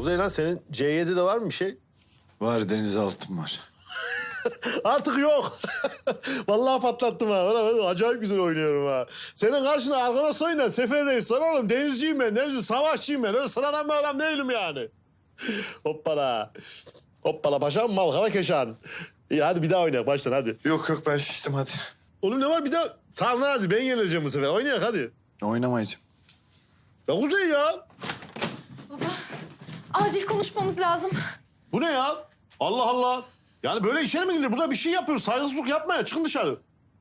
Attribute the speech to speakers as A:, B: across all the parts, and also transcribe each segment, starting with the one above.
A: Kuzey lan senin C7'de var mı bir şey?
B: Var, denizaltım var.
A: Artık yok. Vallahi patlattım ha. Bana acayip güzel oynuyorum ha. Senin karşına arkana soyunan Sefer Reis lan oğlum. Denizciyim ben, denizci savaşçıyım ben. Öyle sıradan bir adam değilim yani. Hoppala. Hoppala paşam malkara keşan. İyi hadi bir daha oynayalım baştan hadi.
B: Yok ben şiştim hadi.
A: Oğlum ne var bir daha? Tamam lan hadi ben yenileceğim bu sefer. Oynayak hadi.
B: Oynamayacağım.
A: Ya Kuzey ya.
C: Acil konuşmamız lazım.
A: Bu ne ya? Allah Allah. Yani böyle işe mi gidilir? Burada bir şey yapıyoruz. Saygısızlık yapmaya. Çıkın dışarı.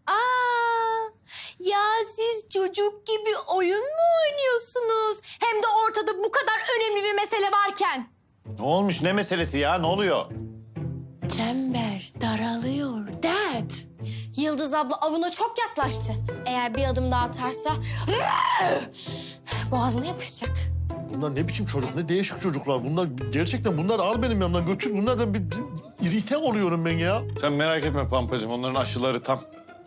C: Ya siz çocuk gibi oyun mu oynuyorsunuz? Hem de ortada bu kadar önemli bir mesele varken.
D: Ne olmuş? Ne meselesi ya? Ne oluyor?
C: Çember daralıyor. Dad. Yıldız abla avına çok yaklaştı. Eğer bir adım daha atarsa boğazına yapışacak.
A: Bunlar ne biçim çocuk? Ne değişik çocuklar. Bunlar gerçekten bunları al benim yanımdan götür. Bunlardan bir irite oluyorum ben ya.
D: Sen merak etme Pampacığım. Onların aşıları tam.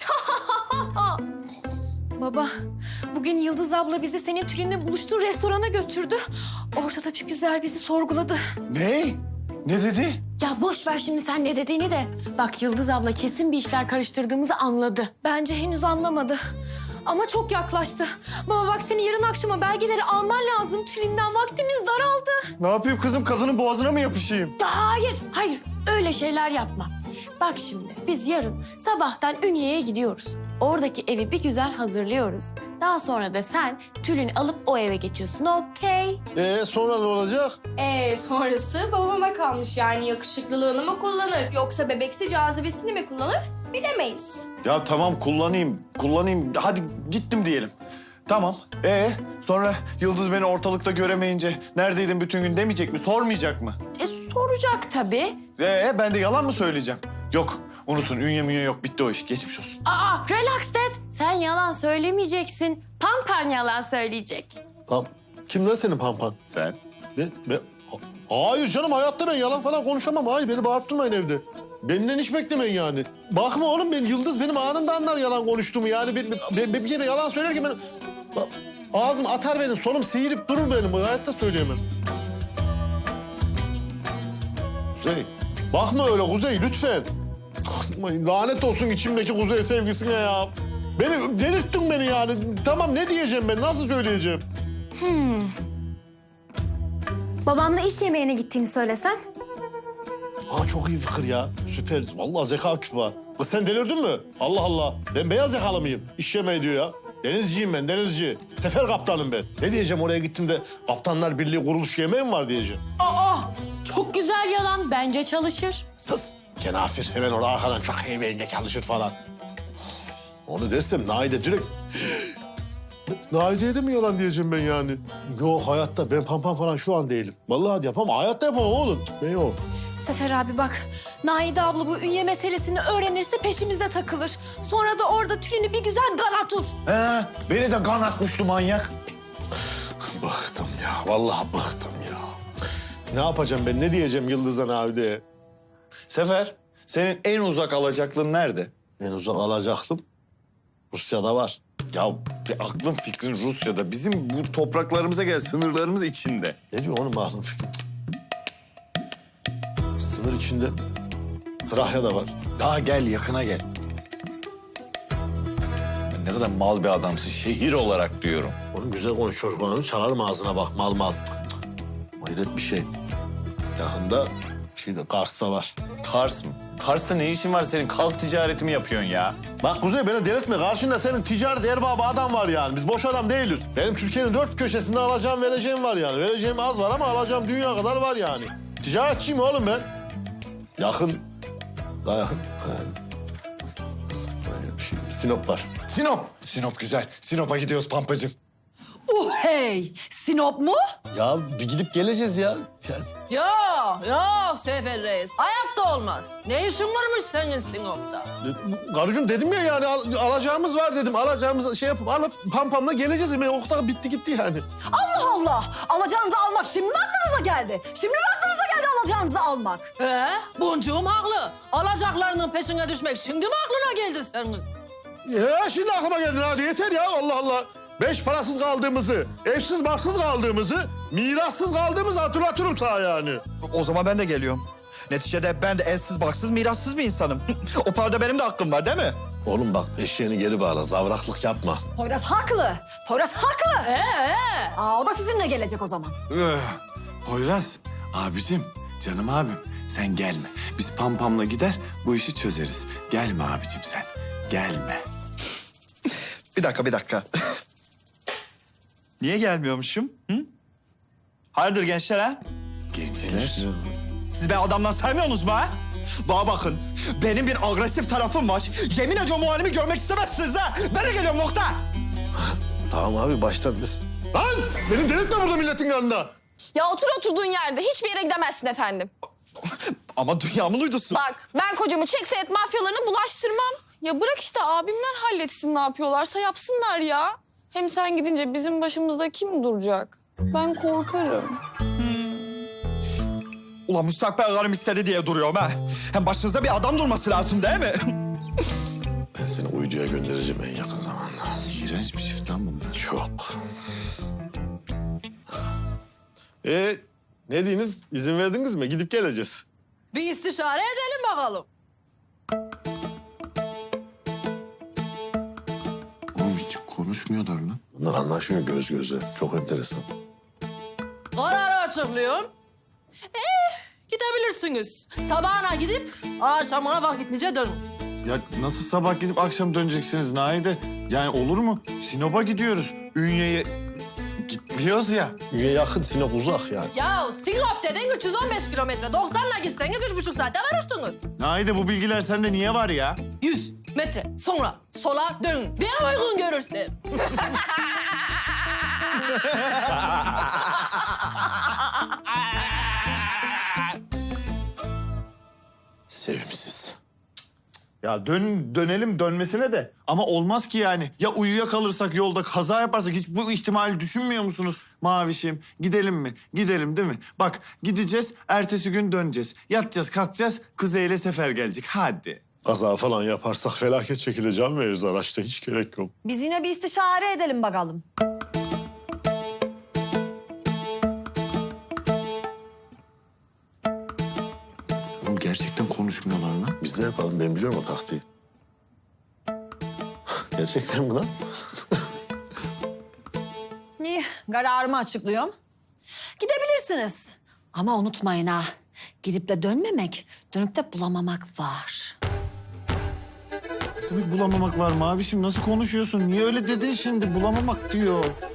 C: Baba, bugün Yıldız abla bizi senin Tülin'le buluştuğu restorana götürdü. Ortada bir güzel bizi sorguladı.
D: Ne? Ne dedi?
C: Ya boş ver şimdi sen ne dediğini de. Bak Yıldız abla kesin bir işler karıştırdığımızı anladı. Bence henüz anlamadı. Ama çok yaklaştı. Baba bak seni yarın akşama belgeleri alman lazım. Tülin'den vaktimiz daraldı.
D: Ne yapayım kızım? Kadının boğazına mı yapışayım?
C: Hayır. Öyle şeyler yapma. Bak şimdi biz yarın sabahtan Ünye'ye gidiyoruz. Oradaki evi bir güzel hazırlıyoruz. Daha sonra da sen Tülin'i alıp o eve geçiyorsun, okey?
A: Sonra ne olacak?
E: Sonrası babama kalmış. Yani yakışıklılığını mı kullanır yoksa bebeksi cazibesini mi kullanır bilemeyiz.
D: Ya tamam kullanayım. Hadi gittim diyelim. Tamam. Sonra Yıldız beni ortalıkta göremeyince neredeydin bütün gün demeyecek mi? Sormayacak mı?
C: Soracak tabii.
D: Ben de yalan mı söyleyeceğim? Yok. Unutun. Ünye münye yok. Bitti o iş. Geçmiş olsun.
C: Relax dad. Sen yalan söylemeyeceksin. Pampan yalan söyleyecek.
A: Kim lan senin pampan?
D: Sen?
A: Ben... Hayır canım hayatta ben yalan falan konuşamam. Hayır beni bağırttırmayın evde. Benden hiç beklemeyin yani. Bakma oğlum ben Yıldız benim anında anlar yalan konuştuğumu. Yani ben bir kere yalan söylerken ben... Ağzım atar benim, solum seyirip durur benim. Hayatta söyleyemem. Kuzey, bakma öyle Kuzey lütfen. Lanet olsun içimdeki Kuzey sevgisine ya. Delirttin beni yani. Tamam ne diyeceğim ben, nasıl söyleyeceğim?
C: Babamla iş yemeğine gittiğini söylesen.
A: Çok iyi fikir ya. Süper. Vallahi zeka küpü var. Kız sen delirdin mi? Allah Allah. Ben beyaz yakalı mıyım? İş yemeği diyor ya. Denizciyim ben, denizci. Sefer kaptanım ben. Ne diyeceğim oraya gittim de Kaptanlar Birliği kuruluş yemeği mi var diyeceğim.
C: Çok güzel yalan. Bence çalışır.
A: Sus. Kenafir. Hemen oraya arkadan çok yemeğine çalışır falan. Onu dersem Naide direkt... Naide'ye de mi yalan diyeceğim ben yani? Yok hayatta ben pampan falan şu an değilim. Vallahi yapamam. Hayatta yapamam oğlum. Ben yok.
C: Sefer abi bak. Naide abla bu Ünye meselesini öğrenirse peşimize takılır. Sonra da orada Tülin'i bir güzel galatur.
D: Beni de kan atmıştı manyak.
A: Bıktım ya. Vallahi bıktım ya. Ne yapacağım ben? Ne diyeceğim Yıldız'a Navide'ye?
D: Sefer, senin en uzak alacaklığın nerede?
A: En uzak alacaktım. Rusya'da var.
D: Ya bir aklın fikrin Rusya'da. Bizim bu topraklarımıza gel, sınırlarımız içinde.
A: Ne diyor oğlum aklın fikri? Sınır içinde Trakya'da var.
D: Daha gel, yakına gel. Ne kadar mal bir adamsın, şehir olarak diyorum.
A: Oğlum güzel konuş çocuklarını çalarım ağzına bak mal. Hayret bir şey. Yakında Kars'ta var.
D: Kars mı? Kars'ta ne işin var senin? Kaz ticareti mi yapıyorsun ya?
A: Bak Kuzey beni delirtme. Karşında senin ticaret erbabı adam var yani. Biz boş adam değiliz. Benim Türkiye'nin dört köşesinde alacağım vereceğim var yani. Vereceğim az var ama alacağım dünya kadar var yani. Ticaretçiyim oğlum ben. Yakın. Daha yakın. Sinop var.
D: Sinop güzel. Sinop'a gidiyoruz Pampacığım.
F: Hey! Sinop mu?
A: Ya bir gidip geleceğiz ya.
G: Ya Sefer Reis. Hayatta olmaz. Ne işin varmış senin Sinop'ta?
A: Karıcığım dedim ya yani alacağımız var dedim. Alacağımız şey yapıp alıp pampamla geleceğiz. Okta bitti gitti yani.
F: Allah Allah! Alacağınızı almak şimdi mi aklınıza geldi? Şimdi mi aklınıza geldi alacağınızı almak?
G: Boncuğum haklı. Alacaklarının peşine düşmek şimdi mi aklına geldi senin?
A: Ya şimdi aklıma geldin hadi yeter ya Allah Allah. Beş parasız kaldığımızı, evsiz barksız kaldığımızı, mirassız kaldığımızı hatırlatırım sana yani.
H: O zaman ben de geliyorum. Neticede ben de evsiz, baksız, mirassız bir insanım. O parada benim de hakkım var değil mi?
A: Oğlum bak eşeğini geri bağla, zavraklık yapma.
F: Poyraz haklı. Poyraz haklı. Aa, o da sizinle gelecek o zaman.
B: Poyraz, abicim, canım abim sen gelme. Biz Pampam'la gider bu işi çözeriz. Gelme abicim sen, gelme.
H: Bir dakika. Niye gelmiyormuşum? Hı? Hayırdır gençler ha?
B: Gençler.
H: Siz beni adamdan saymıyorsunuz mu ha? Bana bakın, benim bir agresif tarafım var. Yemin ediyorum o halimi görmek istemezsiniz ha. Ben de geliyorum nokta.
A: Tamam abi baştan biz. Lan beni delirtme burada milletin yanında.
C: Ya otur oturduğun yerde. Hiçbir yere gidemezsin efendim.
H: Ama dünyamın uydusu.
C: Bak ben kocamı çek senet mafyalarına bulaştırmam. Ya bırak işte abimler halletsin ne yapıyorlarsa yapsınlar ya. Hem sen gidince bizim başımızda kim duracak? Ben korkarım.
H: Ulan müstakbel karım istedi diye duruyorum ha. Hem başınızda bir adam durması lazım değil mi?
A: Ben seni uyduya göndereceğim en yakın zamanda.
B: İğrenç bir çift lan bunlar.
A: Çok. Ne diyiniz? İzin verdiniz mi? Gidip geleceğiz.
G: Bir istişare edelim bakalım.
B: Oğlum hiç konuşmuyorlar lan.
A: Bunlar anlaşıyor göz göze. Çok enteresan.
G: Kararı açıklıyorum. Gidebilirsiniz. Sabahına gidip akşamına vakitlice dönün.
B: Ya nasıl sabah gidip akşam döneceksiniz Naide? Yani olur mu? Sinop'a gidiyoruz. Ünye'ye gitmiyoruz ya.
A: Üye yakın, Sinop uzak yani.
G: Ya Sinop dedin 315 kilometre. 90'la gitseniz 3,5 saatte varırsınız.
B: Naide bu bilgiler sende niye var ya?
G: 100 metre sonra sola dön. Bir uygun görürsün.
A: Sevimsiz.
B: Ya dönelim dönmesine de. Ama olmaz ki yani. Ya uyuyakalırsak yolda kaza yaparsak hiç bu ihtimali düşünmüyor musunuz? Mavişim gidelim mi? Gidelim değil mi? Bak gideceğiz ertesi gün döneceğiz. Yatacağız kalkacağız Kuzey ile Sefer gelecek. Hadi.
A: Kaza falan yaparsak felaket şekilde can veririz araçta. Hiç gerek yok.
F: Biz yine bir istişare edelim bakalım.
B: Oğlum gerçekten konuşmuyorlar lan.
A: Biz ne yapalım? Ben biliyorum o taktiği. Gerçekten mi lan?
F: İyi, kararımı açıklıyorum. Gidebilirsiniz. Ama unutmayın ha, gidip de dönmemek, dönüp de bulamamak var.
B: Tabii bulamamak var Mavişim. Nasıl konuşuyorsun? Niye öyle dedin şimdi? Bulamamak diyor.